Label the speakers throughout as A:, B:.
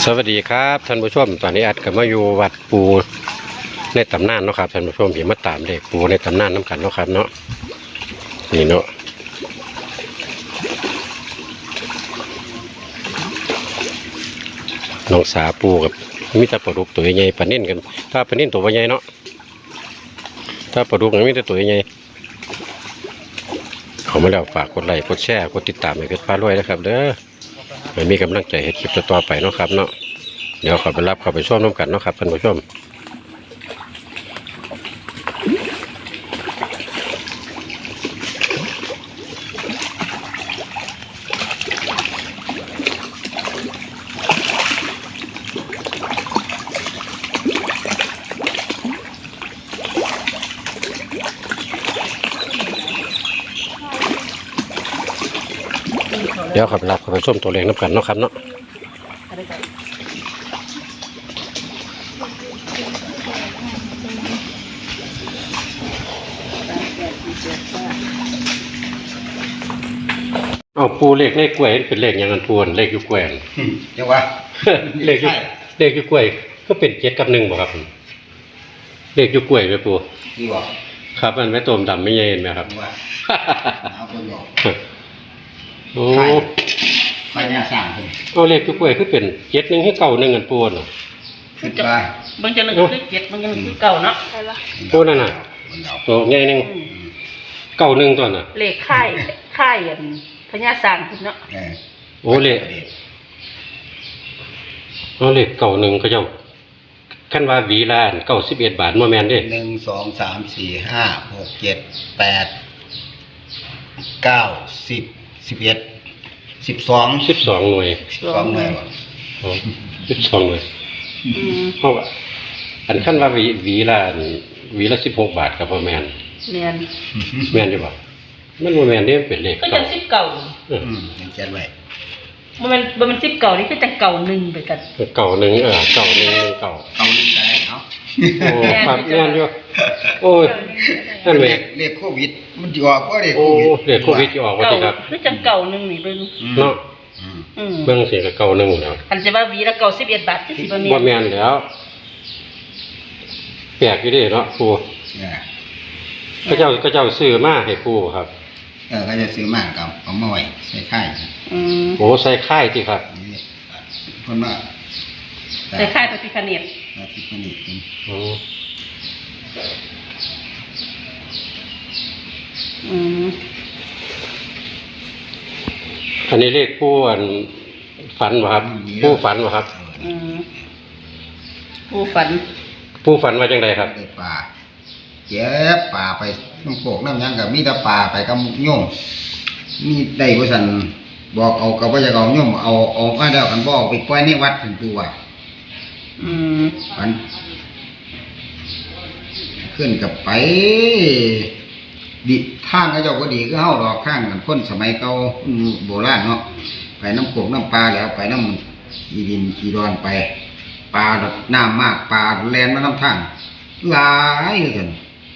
A: สวัสดีครับท่านผู้ชมตอนนี้อัดกับมาอยู่วัดปูในตำนานเนาะครับท่านผู้ชมเห็นมาตามเด็กปูในตำนานน้ำกันเนาะครับเนาะนี่เนาะน้องสาปูกับมิตรปลาดุกตัวใหญ่ปลานิ่นกันถ้าปลานิ่นตัวใหญ่เนาะถ้าปลาดุกมิตรตัวใหญ่เขามาแล้วฝากกดไลค์กดแชร์กดติดตามให้เพชรพารวยนะครับเด้อไม่มีกำลังใจให้คลิปต่อไปเนาะครับเนาะเดี๋ยวเขาไปรับเขาไปชมน้ำกันเนาะครับท่านผู้ชมเดี๋ยวเขาไปรับเขาไปชมตัวเลขน้ำกันเนาะครับเนาะเอาปูเลขกล้วยเป็นเลขอย่างนั้นปูนเลขอยู่กล้วย
B: เดี๋ยววะ
A: เลขอยู่กล้วยก็เป็น7 กับ 1บ่ครับเลขอยู่กล้วยไหมปู
B: นี่บอก
A: ครับมันไม่ต้มดำไม่เย็นไหมครับ
B: ว่าเอาคนบอก
A: โอ้
B: ใครเนี่ยสั่งคน
A: เอาเลขอยู่กล้วยคือเป็น7 1ให้9 1กันปูนเหรอ
B: คิดไป
C: บางจังหนึ่งคือ7บางจังหนึ่งคือเก่าเนาะ
A: ปูนั่นน่ะโอ้ไงนึง9 1ตัวน่ะ
C: เลขค่ายพญาสร้างพุ่นเนาะ
A: โอ้เลขเอาเลข9 1เขาเจ้าขั้นว่าหวีละ91 บาทบ่แม่นเด้
B: 1 2 3 4 5 6 7 8 9 10 11 12
A: หน่วย
B: 12หน่วยบ่
A: อ๋อ12หน่วยเพราะว่าอันขั้นว่าหวีละ16 บาทกับบ่แม่นแม่นอยู่บ่มันบ่แม่นเด้เป็นเลข
C: ก็จัง10เก่า
B: ยังเขียนไว้
C: บ่แม่น10เก่านี่คือจังเก่า1ไปกัน
A: เก่า1เก่า1 1เก่า
B: 1ได้เนาะ
A: โอ้ครับแม่นอยู่โอ้ยนั่นแหละ
B: เลขโควิดมันสิออกบ่เลขโควิด
A: เลขโควิดสิออกบ่ติครับ
C: คือจังเก่า1นี่เบิ่ง
A: เนาะเบิ่งสิก็เก่า1แล้ว
C: อันสิว่าหวีละ91 บาทคือสิ
A: บ่แม่นแล้วแปลกอยู่เด้เนาะปู่ก็เจ้าซื้อมาให้ปู่ครับ
B: ก็จะซื้อมากับเอามาไว้ใส่ค่าย
A: โอ้ใส่ค่ายติครับ
B: เพิ่นว่า
C: ใส่ค่ายพระพิฆเนศ
A: อันนี้เลขปู่ฝันบ่ครับปู่ฝันบ่ครับ
C: ปู่
A: ฝันว่าจังไดครับ
B: ป่าเจ็บป่าไปน้ำโขกน้ำยังกับมีแต่ป่าไปกับโยมมีได้บ่ซั่นบอกเอากับบ่อยากเอาโยมเอามาแล้วกันบ่เอาไปปล่อยในวัดถึงตัวมันขึ้นกับไปดิทางเขาเจ้าก็ดีคือเฮาดอกข้างกันคนสมัยเก่าโบราณเนาะไปน้ำโขกน้ำปลาแล้วไปน้ำอีดินขี้ดอนไปปลาน้ำมากปลาแล่นมาน้ำทางหลายกัน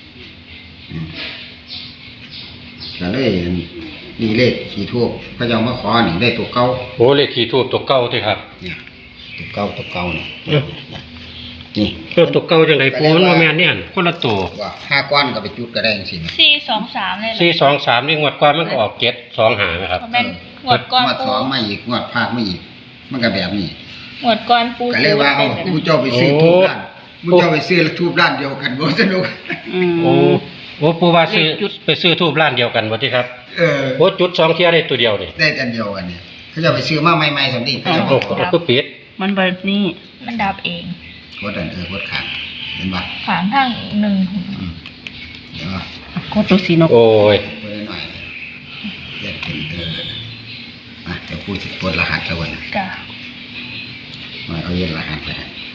B: ก็เลยนี่เลขขี่ทูบพระเจ้ามาขอนี่ได้ตัวเก่า
A: โอ้เลขขี่ทูบตัวเก่าติครับ
B: เนี่ยตัวเก่านี่
A: นี่ตัวเก่าจังได๋ปู่มันบ่แม่นเนี่ยคนละตัว
B: ว่า5ก้อนก็ไปจุดก็ได้จังซี่นะ
C: 423เลย
A: 423นี่งวดก่อนมันก็ออก725นะครับ
C: แม่นงวดก่อน
B: งวด2มาอีกงวดพาดมาอีกมันก็แบบนี้
C: งวดก่อนปู่
B: ก็เลยว่าผู้เจ้าไปซื้อทูบร้านผู้เจ้าไปซื้อทูบร้านเดียวกันบ่สนุก
A: โอ้ปู่ว่าไปซื้อทูบร้านเดียวกันบ่ติครับโอ้จุด2เที่ยได้ตัวเดียวนี่
B: ได้อันเดียวกันนี่เขาจะไปซื้อมาใหม่ๆซั่นนี่เขาจะ
A: บอกคือปิด
C: มันแบบนี้มันดับเอง
B: กดอันกดข้างเห็นบ่
C: ข้างทาง1
B: เดี๋ยว
C: กดตัวสีนก
A: โอ้ย
B: กดหน่อยเดี๋ยวเป็นเดี๋ยวพูดกดรหัสแล้วนะ
C: จ้ะ
B: มาเอาเย็นรหัสไป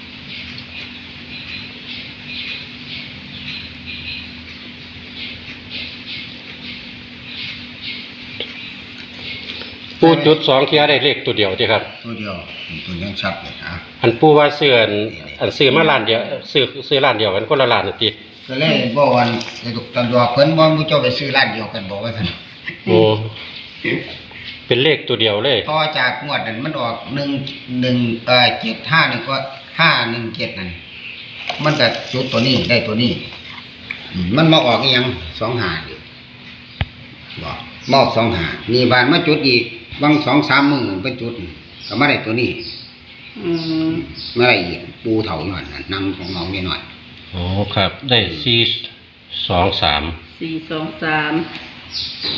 A: ปู่จุด2เที่ยได้เลขตัวเดียวติครับ
B: ตัวเดียวตัวยังชัดเลย
A: อันปู่ว่าซื้อมาร้านเดียวซื้อร้านเดียวกันคนละร้านน่ะติ
B: ก็เลยบอกว่าตำรวจเพิ่นบ่ผู้เจ้าไปซื้อร้านเดียวกันบอกว่าซั่น
A: โอ้เป็นเลขตัวเดียวเลย
B: ต่อจากงวดนั้นมันออก751ก็517นั่นมันก็จุดตัวนี้ได้ตัวนี้มันมาออกอีหยัง25นี่บอกมอบ25นี่บานมาจุดอีกบาง 2-3 มื้อไปจุดก็มาได้ตัวนี้มาได้อีกปูเฒ่าหน่อยนั่นนำของเรานี่หน่อย
A: อ๋อครับ ได้423
C: 423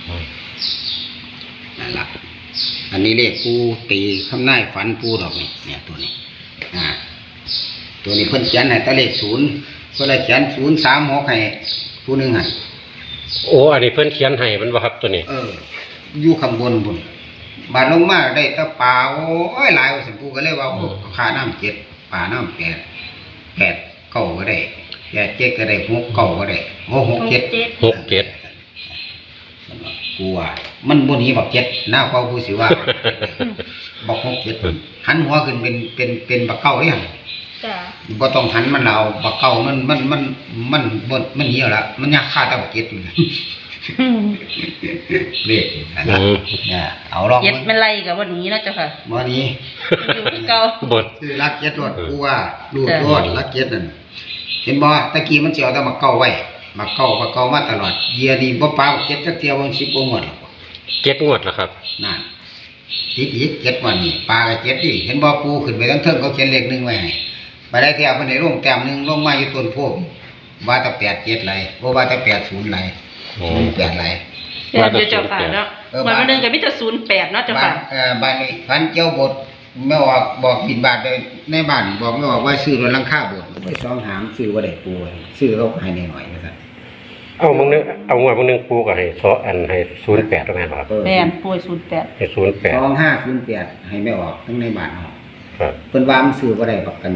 B: นั่นล่ะอันนี้เลขปูตีคำนายฝันปูดอกนี่เนี่ยตัวนี้ตัวนี้เพิ่นเขียนให้แต่เลข0เพิ่นเลยเขียน036ให้ผู้หนึงให้
A: โอ้อันนี้เพิ่นเขียนให้มันบ่ครับตัวนี้
B: อยู่ข้างบนพุ่นบาดลงมาได้แต่ปลาโอ้ยหลายว่าซั่นปูก็เลยว่าค่าน้ำ7ปลาน้ำ8เก้าก็ได้7ก็ได้6เก้าก็ได้6 7 กูว่ามันบ่หนีบัก7หน้าเก่ากูสิว่า บัก6 7หันหัวขึ้นเป็นบักเก่าเด้หั่น
C: จ้ะ
B: บ่ต้องหันมันเอาบักเก่ามันบ่มันเหี่ยวละมันยากค่าแต่บัก7อยู่เลขเนี่ยเอาลอง
C: เจ็ดมันไล่กับวันนี้เนาะเจ้าค่ะ
B: บ่หนี
C: อยู่คือเก่า
A: บท
B: คือรัก7รถกูว่ารูดรถรัก7นั่นเห็นบ่ตะกี้มันสิเอาแต่บักเก่าไว้บักเก่ามาตลอดเยียนี่บ่ปาบัก7จักเที่ยวมัน10บ่หมดหรอก
A: 7งวดแล้วครับ
B: นั่นติดอีก7วันนี่ปลาก็7ดิเห็นบ่ปูขึ้นไปทั้งเทิงเขาเขียนเลข1ไว้ให้บ่ได้เที่ยวเพิ่นได้ลงแต้ม1ลงมาอยู่ต้นโพว่าแต่8 7ไหลบ่ว่าแต่80ไหล8ไหล
C: เดี๋ยวเจ้าค่ะเนาะวันนึงก็มีแต่08เนาะเจ้าค่ะ
B: บ้านนี้พันเจ้าบทไม่ออกบอกบินบาทเลยในบ้านบอกไม่ออกว่าซื้อรถลังค่าบทไปซองหามซื้อบ่ได้ปูซื้อเขาให้หน่อยนะครับ
A: เอามึงนึงปูก็ให้ให้08แล้วแม่นบ่ครับ
C: แม่นป่วย08
A: ให้
B: ซอง508ให้ไม่ออกทั้งในบ้านออก
A: ครับ
B: เพิ่นว่ามันซื้อบ่ได้ประกัน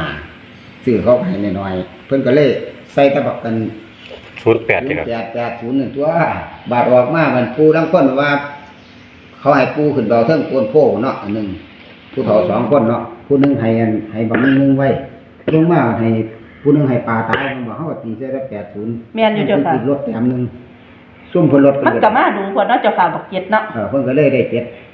B: 25ซื้อเขาให้หน่อยเพิ่นก็เลยใส่ตะบักกัน
A: 08นี่ครับ
B: 0880นั่นตัวบาทออกมามันปูทั้งคนว่า เขาให้ปูขึ้นเบาเทิงโกนโพเนาะอันนึงผู้เฒ่า2คนเนาะผู้นึงให้บักนึงไว้ลงมาให้ผู้นึงให้ปลาตายมันบอกเฮาก็ตีใส่ได้80
C: แม่นอยู่เจ้าค่ะ
B: รถแถมนึงซุ่มเพิ่นรถ
C: มันก็มาดูเพิ่นเนาะเจ้าค่ะบักเจ็ดเนาะ
B: เพิ่นก็เลยได้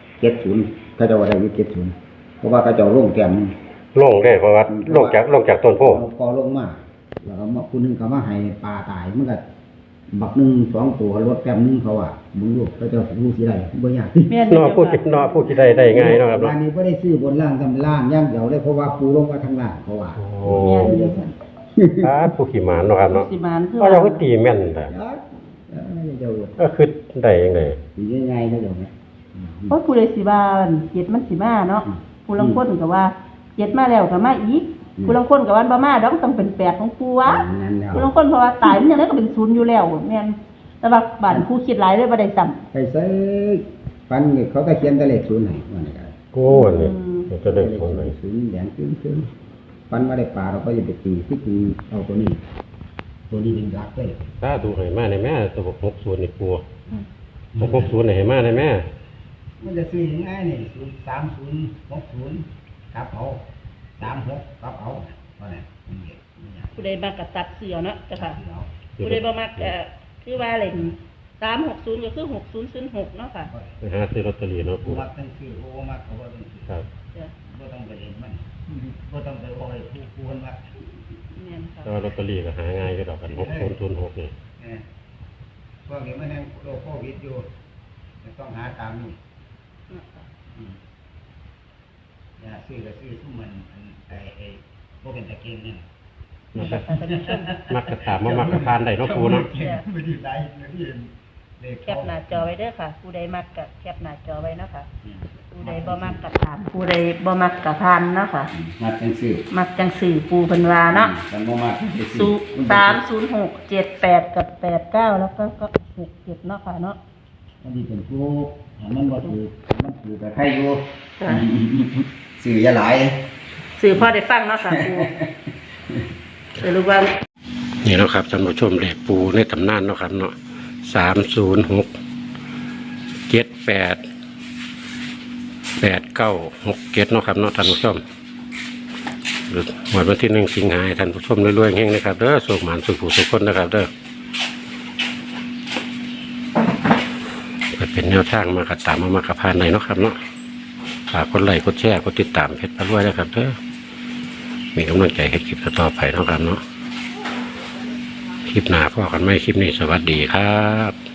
B: 70เขาเจ้าว่าได้อยู่70เพราะว่าเขาเจ้าลงแถมนึง
A: ลงได้เพราะว่าลงจากต้นโพ
B: พอลงมาแล้วก็ผู้นึงก็มาให้ปลาตายมันก็บักนึง2ตัวรถแถมนึงเขาว่ามึงลูกเขาเจ้ารู้สิได้บ่ยาก
C: แม่น
A: เนาะผู้คิดได้ง่ายเนาะครับ
B: ร้านนี้บ่ได้ซื้อบนล่างทำล่างอย่างเดียวเลยเพราะว่าปูลงมาทางล่างเขาว่า
A: โอ้ผู้ขี่หมานเนาะครับเนาะ
C: สิมานคือ
A: ก็เราก็ตีแม่นแต่
B: เจ้า
A: ก็คือได้ยังไง
B: ตีง่ายๆเขาเจ้าเนี่ย
C: เพราะผู้ใดสิว่าเจ็ดมันสิมาเนาะผู้ลางคนก็ว่าเจ็ดมาแล้วก็มาอีกผู้ลางคนก็ว่าบ่มาดอกต้องเป็น8ของปูวะ
B: นั่นแล้ว
C: ผู้ลางคนเพราะว่าตายมันจังได๋ก็เป็น0อยู่แล้วแม่นแต่ว่าบ้านผู้คิดหลายเลยบ่ได้ซ้ำ
B: ไปใส่ฟันนี่เขาก็เขียนแต่เลข0ให้ว่านี่ก็
A: โอ้นี่จะได้ผลเลย
B: 0แดงขึ้นฟันมาได้ปลาเราก็จะไปตีที่ตีเอาตัวนี้เป็นรักเลย
A: ถ้าดูให้มาในแม่ตัว60นี่กลัว60นี่ให้มาในแม่
B: มันจะซื้อง่ายนี่3060ครับเอา36ครับเอาว่าไง
C: ผู้ใดมากก็ตัดเสือเนาะจ้ะค่ะผู้ใดบ่มักคือว่าเล่น360ก็คือ6006เนาะค่ะ
A: ไปหาซื้อลอตเตอรี่เนาะ
B: กู
A: ปู
B: มักตั้งชื่อโอ้มักเขาบ่ต้องซื้อ
A: ครับ
C: จ้ะ
B: บ่ต้องไปเล่นมันบ่ต้องไปโอ้ยผู้คนว่า
C: แม่นค่ะ
A: แต่ว่าลอตเตอรี่ก็หาง่ายก็ดอกกัน6006นี่
B: พวกนี้มันยังโรคโควิดอยู่ต้องหาตามนี่อย่าซื้อก็ซื้อทุกมันไอ้บ่เป็นตะเกียงนี่
A: มักกระถามมักกระทานได้เนาะปูเนาะ
B: ไม่ได้ได้ที่เลข
C: แคปหน้าจอไว้เด้อค่ะ ผู้ใดมักก็แคปหน้าจอไว้เนาะค่ะ ผู้ใดบ่มักก็ถามผู้ใดบ่มักก็ทานเนาะค่ะ
B: มักจังซื้อ
C: มักจังสื่อปูเพิ่นว่าเนาะ
B: ฉันบ่มัก
C: 30678กับ89แล้วก็67เนาะค่ะเนาะ
B: อันนี้เป็นผู้มันบ่ถือมันถือแต่ใครอยู่ซื้ออย่าหลาย
C: สื่อพอได้ฟังเนาะค่ะปูสรุปว่า
A: นี่เนาะครับท่านผู้ชมเลขปูในตำนานเนาะครับเนาะ306 78 8967เนาะครับเนาะท่านผู้ชมวันที่1สิงหาคมท่านผู้ชมรวยๆเฮงนะครับเด้อสุขหมานสุขผู้สุขคนนะครับเด้อเป็นเป็นแนวทางมากระตามมากระพานในเนาะครับเนาะฝากกดไลค์กดแชร์กดติดตามเพจพระรวยนะครับเด้อมีกำลังใจให้คลิปต่อไปเนาะครับเนาะคลิปหน้าพอกันไหมคลิปนี้สวัสดีครับ